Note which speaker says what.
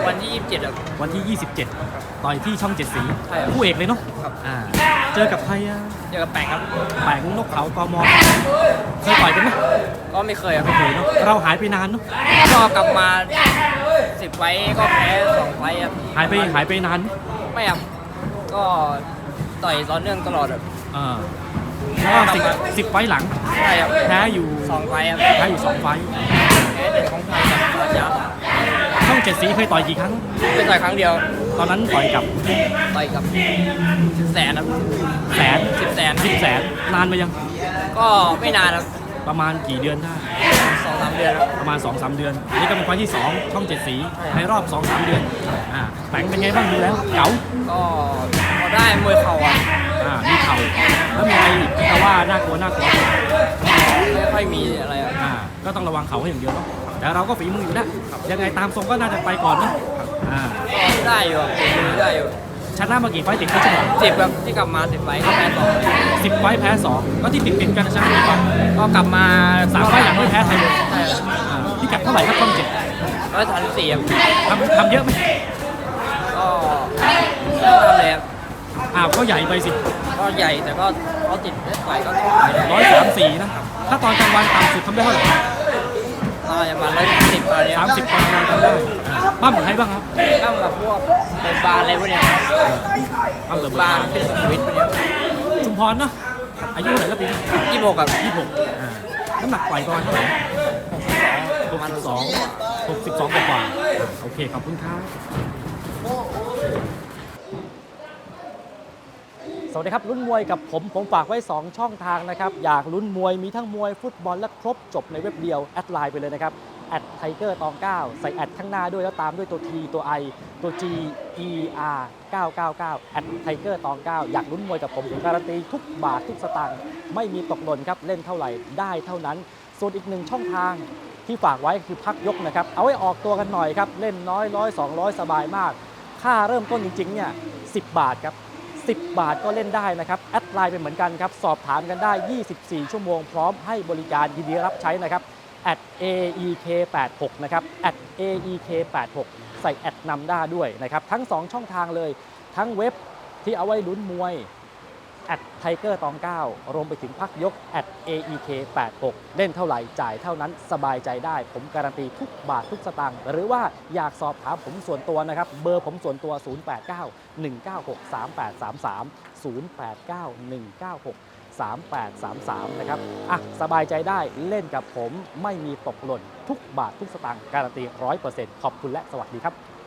Speaker 1: วันที่27ครับ
Speaker 2: วันที่ 27 ต่อยที่ช่อง 7 สี
Speaker 1: ใช่ครับ
Speaker 2: คู่เอกเลยเนาะ
Speaker 1: ครับ
Speaker 2: เจอกับใครอะ
Speaker 1: เจอกับแปงครับ
Speaker 2: แปงนกเขากมเคยต่อยกันไหม
Speaker 1: ก็ไม่เคยครับ
Speaker 2: ไม่เคยเนาะเราหายไปนานเนาะ
Speaker 1: ก็กลับมา10 ไฟต์ก็แพ้2 ไฟต์ครับ
Speaker 2: หายไปนานไหม
Speaker 1: ไม่ครับก็ต่อยต่อเนื่องตลอดครับ
Speaker 2: แล้วก็10 ไฟล์หลัง
Speaker 1: ใช่ครับ
Speaker 2: แพ้อยู่
Speaker 1: 2 ไฟต์ครับ
Speaker 2: แพ้อยู่ 2 ไฟล์
Speaker 1: แพ้1ของไทยกับราชา
Speaker 2: ช่อง 7 สีเคยต่อยกี่ครั้ง
Speaker 1: เป็นต่อยครั้งเดียว
Speaker 2: ตอนนั้นต่อยกับ
Speaker 1: ต่อยกับ10 แสนครับ
Speaker 2: แสน
Speaker 1: 10 แสน
Speaker 2: 10 แสนนานไปยัง
Speaker 1: ก็ไม่นานครับ
Speaker 2: ประมาณกี่เดือนได้
Speaker 1: 2-3 เดือนครับ
Speaker 2: ประมาณ 2-3 เดือนอันนี้ก็เป็นไฟล์ที่ 2 ช่อง 7 สีในรอบ 2-3 เดือนแปงเป็นไงบ้างดูแล้วเก๋า
Speaker 1: ก็พอได้มวยเข่าอ่ะ
Speaker 2: มีเข่าแล้วมีอะไรอีกที่เขาว่าน่ากลัว
Speaker 1: ไม่ค่อยมีอะไรอ่ะ
Speaker 2: ก็ต้องระวังเข่าให้อย่างเดียวเนาะแต่เราก็ฝีมืออยู่แล้วยังไงตามทรงก็น่าจะไปก่อนนะ
Speaker 1: ก็ได้อยู่ครับได้อยู่
Speaker 2: ชนะมากี่ไฟล์ติดก็ชนะ
Speaker 1: 10ครับที่กลับมา10 ไฟต์ก็แพ้2
Speaker 2: 10 ไฟล์แพ้ 2 ก็ที่ติดกันชนะกี่ไฟล์
Speaker 1: ก็กลับมา
Speaker 2: 3 ไฟล์หลังไม่แพ้ใครเลย
Speaker 1: ใช่
Speaker 2: พิกัดเท่าไหร่ครับช่อง 7
Speaker 1: 134ครับ
Speaker 2: ทำเยอะไหม
Speaker 1: ก็เริ่มทำเลยครับ
Speaker 2: ก็ใหญ่ไปสิ
Speaker 1: ก็ใหญ่แต่ก็เขาติดเล่นไฟก็ต้องไปได้
Speaker 2: 134นะถ้าตอนกลางวันต่ำสุดทำได้เท่าไหร่
Speaker 1: ก็ประมาณ110อะไรเนี้ย
Speaker 2: 30 ปอนด์ทำได้ปั้มกับใครบ้างครับ
Speaker 1: ก็แบบพวกเปิดบาร์อะไรพวกเนี้ย
Speaker 2: ปั้มเติม
Speaker 1: บาร์เป็นสวิตพวกเนี้ย
Speaker 2: ชุมพรเนาะอายุเท่าไหร่แล้วปีนี้
Speaker 1: 26กับ
Speaker 2: น้ำหนักปล่อยประมาณเท่าไหร่
Speaker 1: ประมาณ
Speaker 2: 62กว่าโอเคขอบคุณครับสวัสดีครับลุ้นมวยกับผมฝากไว้ 2 ช่องทางนะครับอยากลุ้นมวยมีทั้งมวยฟุตบอลและครบจบในเว็บเดียวแอดไลน์ไปเลยนะครับ@tiger ตอง9ใส่แอดข้างหน้าด้วยแล้วตามด้วยตัว T ตัว I ตัว G E R 999 @tiger ตอง9อยากลุ้นมวยกับผมการันตีทุกบาททุกสตางค์ไม่มีตกหล่นครับเล่นเท่าไหร่ได้เท่านั้นส่วนอีก1ช่องทางที่ฝากไว้คือพักยกนะครับเอาไว้ออกตัวกันหน่อยครับเล่นน้อย100 200สบายมากค่าเริ่มต้นจริงๆเนี่ย10 บาทครับ10 บาทก็เล่นได้นะครับแอดไลน์เป็นเหมือนกันครับสอบถามกันได้ 24 ชั่วโมงพร้อมให้บริการยินดีรับใช้นะครับ@aek86 นะครับ@aek86 ใส่แอดนำหน้าด้วยนะครับทั้ง2ช่องทางเลยทั้งเว็บที่เอาไว้ลุ้นมวย@tiger ตอง9รวมไปถึงพักยก@aek86 เล่นเท่าไหร่จ่ายเท่านั้นสบายใจได้ผมการันตีทุกบาททุกสตางค์หรือว่าอยากสอบถามผมส่วนตัวนะครับเบอร์ผมส่วนตัว 0891963833 นะครับสบายใจได้เล่นกับผมไม่มีตกหล่นทุกบาททุกสตางค์การันตี 100% ขอบคุณและสวัสดีครับ